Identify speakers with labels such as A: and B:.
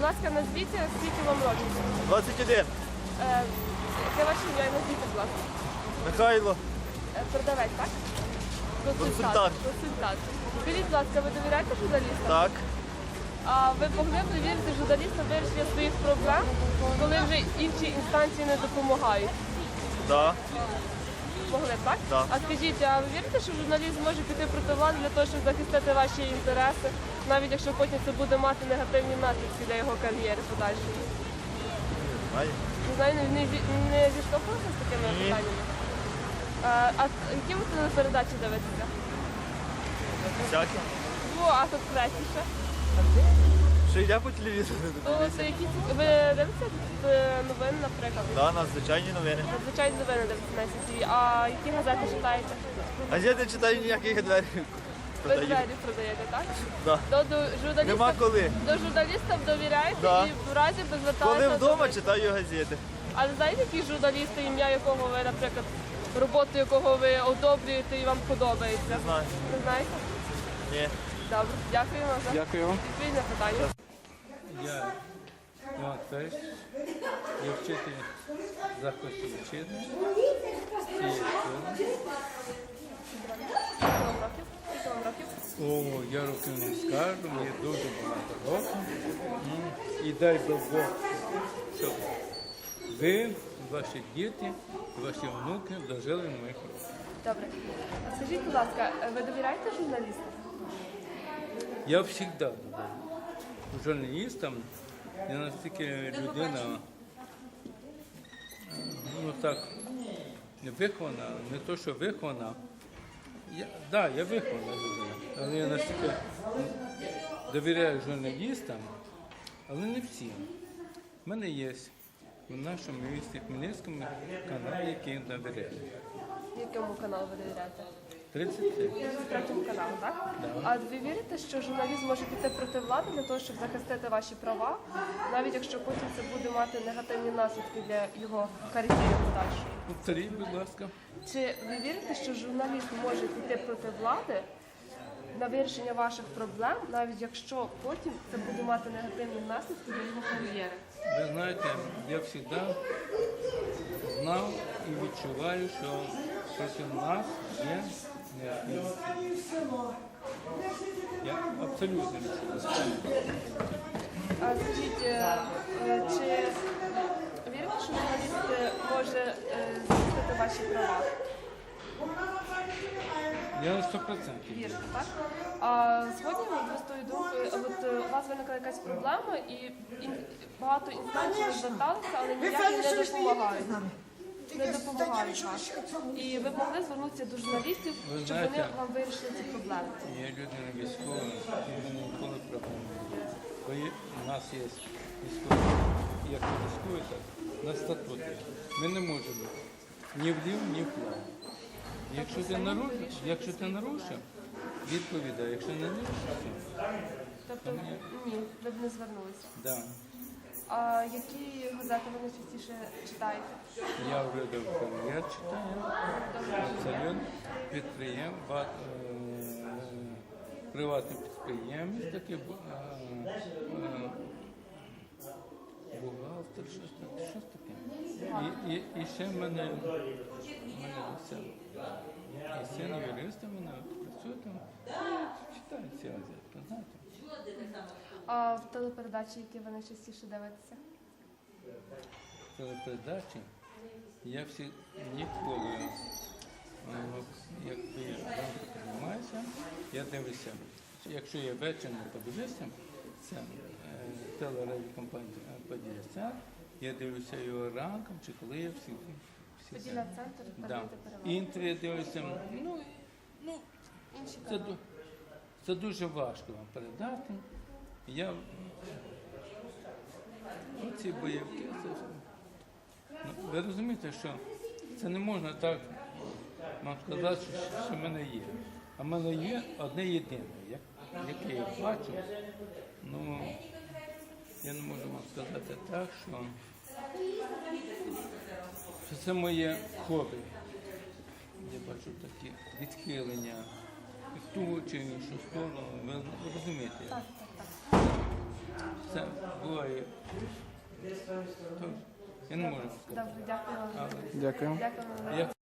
A: ласка, назвіть, скільки вам років?
B: 21.
A: Яке ваше ім'я і назвіть, будь ласка.
B: Михайло.
A: Продавець, так?
B: Консультант.
A: Консультант. Скажіть, будь ласка, ви довіряєте журналістам?
B: Так.
A: А ви могли б довірити журналістам вирішення своїх проблем, коли вже інші інстанції не допомагають?
B: Да.
A: Могли б, так?
B: Так.
A: А скажіть, а ви вірите, що журналіст може піти проти влади для того, щоб захистити ваші інтереси, навіть якщо потім це буде мати негативні наслідки для його кар'єри подальшої?
B: Знаю.
A: Не знаю, не зіштовхувалися з такими
B: Ні.
A: питаннями? А які ви телепередачі дивитеся?
B: Всякі.
A: А конкретніше?
B: Що йде по телевізору?
A: То це які ви дивитеся новини, наприклад?
B: Да, надзвичайні новини.
A: Звичайно, новини дивитеся на СІТВ. А які газети читаєте?
B: А я не читаю ніяких дверей.
A: Ви двері продаєте, так?
B: Да.
A: То до журналістів,
B: Нема коли.
A: до журналістів довіряєте
B: Да.
A: і в разі би зверталися
B: Коли
A: до
B: вдома
A: них.
B: читаю газети.
A: Але знаєте, які журналісти, ім'я якого ви, наприклад, роботу якого ви одобрюєте і вам подобається?
B: Не знаю.
A: Не знаєте?
B: Ні.
A: Добре, дякуємо за
C: Дякую вам.
A: відповідь на питання.
C: Я Іван Федорович, я вчитель закладу вчитель.
A: Скільки вам років? Скільки вам років?
C: О, я років не скажу, мені дуже багато років. І дай би Бог, щоб ви, ваші діти, ваші внуки дожили до моїх років.
A: Добре. А скажіть, будь ласка, ви довіряєте журналістам?
C: Я завжди довіряю. Журналістам я настільки людина, ну так, не вихована, не то, що вихована. Я вихована людина, але я настільки довіряю журналістам, але не всім. У мене є в нашому місті Хмельницькому канал, який довіряю.
A: Якому каналу ви довіряєте?
C: 33.
A: Третьому каналу, так?
C: Да.
A: А ви вірите, що журналіст може піти проти влади для того, щоб захистити ваші права, навіть якщо потім це буде мати негативні наслідки для його кар'єри подальшої?
C: Повторіть, будь ласка.
A: Чи ви вірите, що журналіст може піти проти влади на вирішення ваших проблем, навіть якщо потім це буде мати негативні наслідки для його кар'єри?
C: Ви знаєте, я завжди знав і відчуваю, що проти нас є необхідність. Я абсолютно відчуваю.
A: А скажіть, чи вірите, що журналіст може захистити ваші права?
C: Я на 100%.
A: Вірите, так? А сьогодні ви з тою думкою, у вас виникла якась проблема і багато інстанцій зверталися, але ніяк їм не допомагають. Не допомагають вам. І ви могли звернутися до журналістів,
C: Ви
A: щоб
C: знаєте,
A: вони вам вирішили ці проблеми.
C: Я людина військова, і мене ніколи проблем не було. Бо у нас є військові, як військові, так, на статуті. Ми не можемо ні влів, ні вправо. Якщо ти нарушив, відповідай. Якщо не нарушив,
A: Тобто, ні, ви б не звернулися.
C: да.
A: А які газети ви найчастіше читаєте?
C: Я врядов кар'єр читаю, абсолютно приватний підприємець, такий бухгалтер, щось таке. І ще в мене син. І син юриста в мене працює там, читаю ці газети, знаєте.
A: А в телепередачі, які ви найчастіше дивитеся?
C: Телепередачі я всі ніколи, як я ранку піднімаюся, я дивлюся. Якщо я ввечері не подивлюся, це телерадіокомпанія «Поділля-центр», я дивлюся його ранком, чи коли я всі
A: Поділля-центр,
C: да.
A: передаєте перевагу.
C: Інтри я дивлюся,
A: Інші
C: це,
A: канали.
C: це дуже важко вам передати. Я оці бойовки, ви розумієте, що це не можна так вам сказати, що в мене є. А в мене є одне єдине, яке я бачу. Ну, я не можу вам сказати так, що це хобі. Я бачу такі відхилення в ту чи іншу сторону. Ви розумієте?
A: Так, так, так.
C: це буває. То, я не можу сказати.
A: Добре, дякую вам.
C: Але
D: Дякую.
A: Дякую вам.
C: я